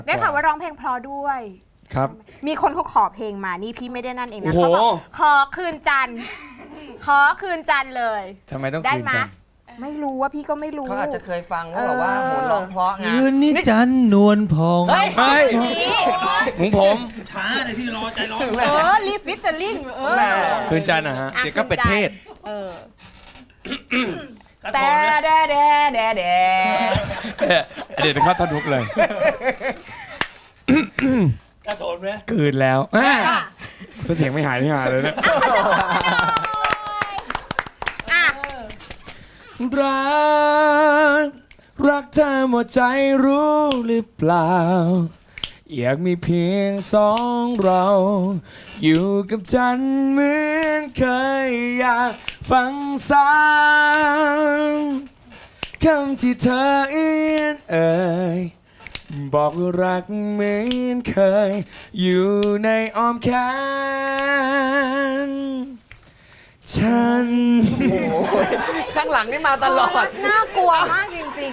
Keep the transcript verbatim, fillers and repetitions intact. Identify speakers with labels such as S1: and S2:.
S1: ได้ข่าวว่าร้องเพลงเพราะด้วย
S2: ครับ
S1: มีคนเขาขอเพลงมานี่พี่ไม่ได้นั่นเองนะ
S2: โอ้โห
S1: เขาบอกขอคืนจันทร์ขอคืนจันทร์เลย
S2: ทำไมต้อง
S1: ได้
S2: คืน
S1: ไหม
S2: จัง
S1: ไม่รู้ว่าพี่ก็ไม่รู้
S3: เขาอาจจะเคยฟังว่าแบบว่าโหร้องเพราะไง
S4: คืนนี้จันทร์นวลพอง
S3: เฮ้ย
S2: เฮ้ย
S1: นี่
S2: ของผม
S5: ช้าเลยพี่รอใจร้อน
S1: เออรีฟิชเจอริ่งเออ
S2: คืนจันทร์นะฮะ
S1: อ่ะ
S4: เดี๋ยวก็เป็นเทศ
S1: เออ
S5: กระโถ
S1: แต่
S5: นนะ
S1: แดแดแดแด
S2: เดี๋ยวเข้าท่อนทุกเลย
S5: กระโถนไหม
S2: คืนแล้วอ่าถ้าเสียงไม่หายไม่หายเลยนะ
S1: อ่ะ
S2: รักรักเธอหมดใจรู้หรือเปล่า อยากมีเพียงสองเรา อยู่กับฉันเหมือนเคยอยากฟังซ้ำคำที่เธอเอียนเอ่ยบอกว่ารักเหมือนเคย อยู่ในอ้อมแขนฉัน
S3: โอ้โหข้างหลังนี่มาตลอด
S1: น่ากลัวมากจริง